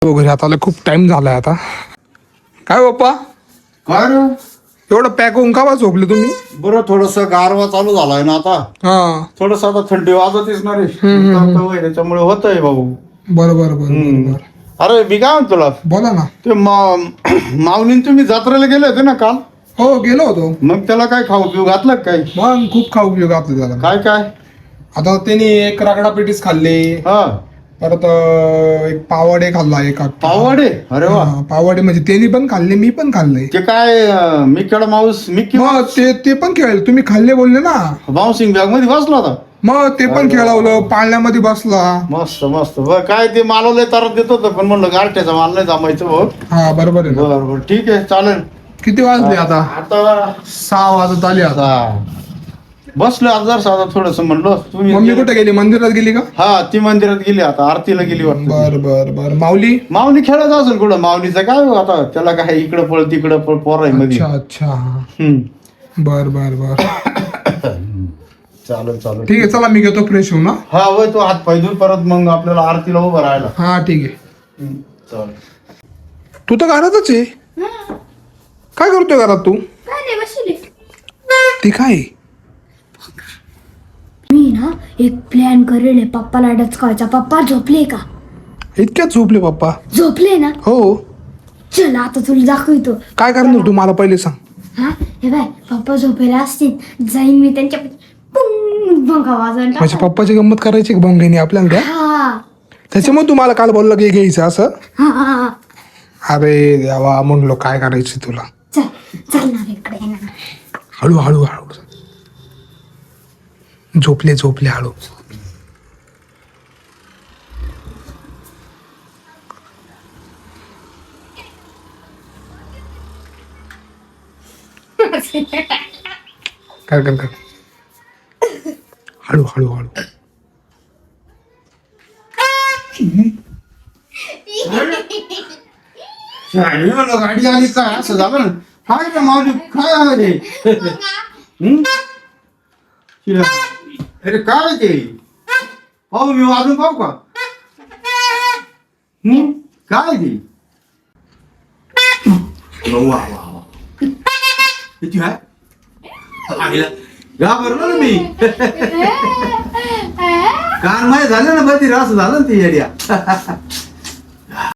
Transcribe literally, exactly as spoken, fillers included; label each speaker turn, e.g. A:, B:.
A: वगैरे आता आलं, खूप टाइम झालाय आता. काय बाप्पा
B: काय रे
A: एवढं पॅक होऊन का बा झोपले तुम्ही?
B: बरं थोडस गारवा चालू झालाय ना आता.
A: हा
B: थोडस आता थंडी वाजतच ना रे. त्याच्यामुळे होतंय भाऊ.
A: बरं बरं बरं बरं बरं.
B: अरे मी काय म्हणतो तुला,
A: बोला ना.
B: ते माऊलीन तुम्ही जत्रेला गेले होते ना काल.
A: हो गेलो होतो.
B: मग त्याला काय खाऊ पिऊ घातलं का काही?
A: मग खूप खाऊ उपयोग आपलं त्याला.
B: काय काय
A: आता त्यांनी एक रगडा पेटीस खाल्ले,
B: हा
A: परत अं, एक पावडे खाल्ला एक आख्खा.
B: पावडे. अरे वा.
A: हा, पावडे म्हणजे त्यांनी पण खाल्ले, मी पण खाल्ले.
B: ते काय अं, मिक्की माऊस मिक्की
A: मग ते ते पण खेळले, तुम्ही खाल्ले बोलले ना.
B: बाउन्सिंग बॅग मध्ये बसला होता.
A: मग ते पण खेळवलं, पाळण्यामध्ये बसला.
B: मस्त मस्त. बरं काय ते मला लय त्रास देत होतं, पण म्हणलं गारठ्याचा माल नाही जमायचं भाऊ.
A: हा बरोबर आहे ना.
B: बरं बरं ठीक आहे चालेल.
A: किती वाजले आता?
B: आता
A: सहा वाजत आले आता.
B: आता बसलो आजार साधा थोडस म्हणलं
A: मम्मी
B: तुम्ही.
A: कुठे गेली? मंदिरात गेली का?
B: हा ती मंदिरात गेली, आता आरतीला गेली वाटतं.
A: बर बर बर. माऊली?
B: माऊली खेळत असेल कुठं. माऊलीचं काय हो आता, त्याला काय इकडं पळ तिकडं पळ पोराय मध्ये.
A: अच्छा अच्छा.
B: हम्म
A: बर बर बर.
B: चालेल चालेल
A: ठीक आहे, चला मी घेतो फ्रेश होऊन. हा?
B: हा वय तो हात पाय धुवून परत मग आपल्याला आरतीला उभं राहायला.
A: हा ठीक आहे.
B: हम्म, चालेल.
A: तू तर घरातच आहे. काय करतोय घरात तू?
C: काय नाही बसली.
A: ती काय?
C: मी ना एक प्लॅन करेल आहे पप्पाला डचकायचा. पप्पा झोपले का?
A: इतक्यात झोपले पप्पा?
C: झोपले ना.
A: हो.
C: चल आता तुला दाखवतो.
A: काय करणार तू, मला पहिले सांग.
C: हा हे बाय, पप्पा झोपेला असतील, जाईन मी त्यांच्या पुंग भंगा वाजवून
A: माझ्या
C: टाकाल.
A: पप्पाची गंमत करायची भोंगेनी आपल्याला द्या.
C: हा
A: त्याच्यामुळे तुम्हाला काल बोलला की घ्यायचं असं.
C: हा हा.
A: अरे देवा, म्हणलो काय करायचं तुला.
C: चल चल ना इकडे ना.
A: हळू हळू हळू. झोपले झोपले हळू. कर कर कर. हळू हळू हळू.
B: शाळेत म्हणलं गाडी आली काय असं झालं ना. काय रे माऊली काय आहे रे? हम्म? शिला. अरे काय ते पाहू मी वाजून पाहू का? हम्म काय ते? वा वा वा. किती आहे? आईला घाबरलो ना मी. कान माय झालं ना बधी असं झालं ना ते येड्या.